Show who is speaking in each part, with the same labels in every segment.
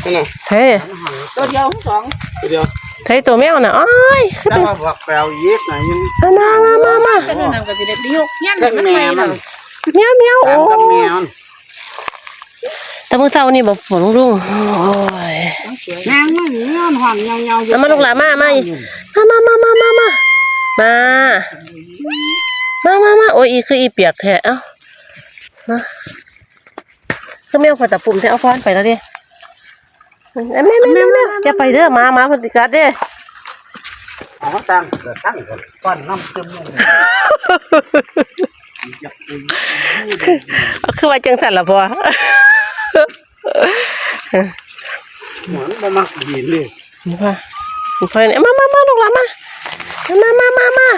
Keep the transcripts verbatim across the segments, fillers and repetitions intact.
Speaker 1: นั่นน่ะ
Speaker 2: เฮ้
Speaker 3: ตัวเดียวสอง
Speaker 1: ตัวเดียว
Speaker 2: เฮ้ตัวแมวน่ะอ้อย
Speaker 1: ถ้ามาบอกแปลวยีสต์ไหนยัง
Speaker 2: มามามามา
Speaker 3: ก็นั่นก็สิได้ไปยกเงี้ยมันไปแล้ว
Speaker 2: เมียวเมียวโอ้
Speaker 1: กับแมว
Speaker 2: แต่เมื่อเช้านี่บอกฝนรุ่งโอ้ย
Speaker 3: นางมันเงี้ยหอมเงาเงา
Speaker 2: แล้วมาลูกหลานมามามามามามามามามามามาโอ้ยอีคืออีเปียกแท้เอ้านะก็แมวพอตะปุ่มแท้เอาฟ้อนไปแล้วดิแม่แม่แม่แม่จะไปเด้อมามาพอดีกัดเด้
Speaker 1: อ๋อตั้งเกิดตั้งก่อนก้อนน้ำซึมเลย
Speaker 2: คือว่าจังสันละพอ
Speaker 1: เหมือนบ่มักดีเลย
Speaker 2: นี่พ่อนี่พ่อเนี่ยมามามาลูกหลานมามามามามา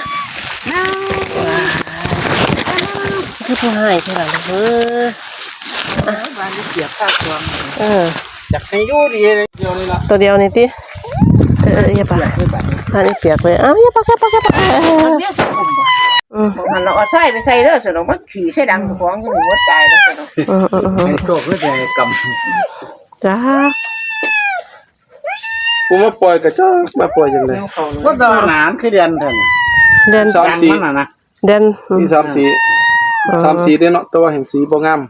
Speaker 2: คือผู้ให้ใช่ไหมเออ
Speaker 1: บ้านนี้เสียบข้าวตัว
Speaker 2: เออ
Speaker 1: อยากให้ยู่ดีเลยเดียวเลยล่ะ
Speaker 2: ตัวเดียวนี่ติเอออย่าปะอันนี้เปียกเลยอ้าวอย่าปะอย่าปะอย่าปะอืม
Speaker 3: มันเราเอาใส่ไปใส่เด้อสนองมันขี่ใส่ดังของก็หัวใจแล้วสนอง
Speaker 2: อืมอืมอืม
Speaker 1: ให้โชคก็จะกำ
Speaker 2: จ้า
Speaker 1: ผมมาปล่อยกับเจ้ามาปล่อยยังไงก็ตอนหนานคือเดือนเท่านั้น
Speaker 2: เดิน
Speaker 1: สามสีนะนะ
Speaker 2: เดิน
Speaker 1: มีสามสีสามสีได้เนาะตัวแห่งสีบ่งาม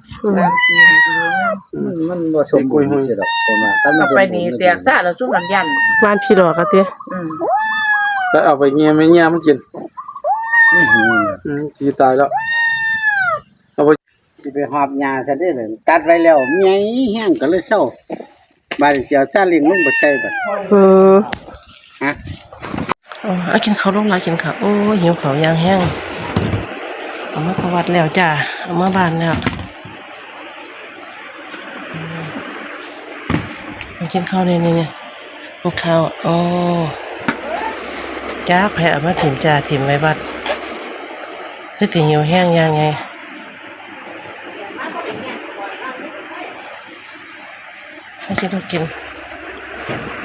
Speaker 4: มันบ่สมบูรณ์สิดอกผมว่าถ้ามัน
Speaker 3: ไปนี่เสียกซ่าแล้วสู้กันยัน
Speaker 2: บ้านพี่ดอกอะติ
Speaker 3: อืม
Speaker 1: แล้วเอาไปเงี้ยไม่เงี้ยมันกิน
Speaker 4: อื้อหือ
Speaker 1: อืมสีตายแล้ว
Speaker 4: สิไปหอบหญ้าซะได้เลยตัดไว้แล้วใหญ่แห้งก็เลยเซาบาดเจียวซาเลิงลงบ่ใส่บัด
Speaker 2: อืม
Speaker 4: ฮะ
Speaker 2: อ๋อกินข้าวลงหลายกินข้าวโอ้ยหิวข้าวยางแห้งเอามาประวัติแล้วจ้าเอามาบ้านแล้วมากินข้าวนี่นี่นี่กินข้าวอ๋อจ้าแผ่มาถิ่มจ่าถิ่มไว้บัดคือสิหิวแห้งยังไงให้กินต้องกิน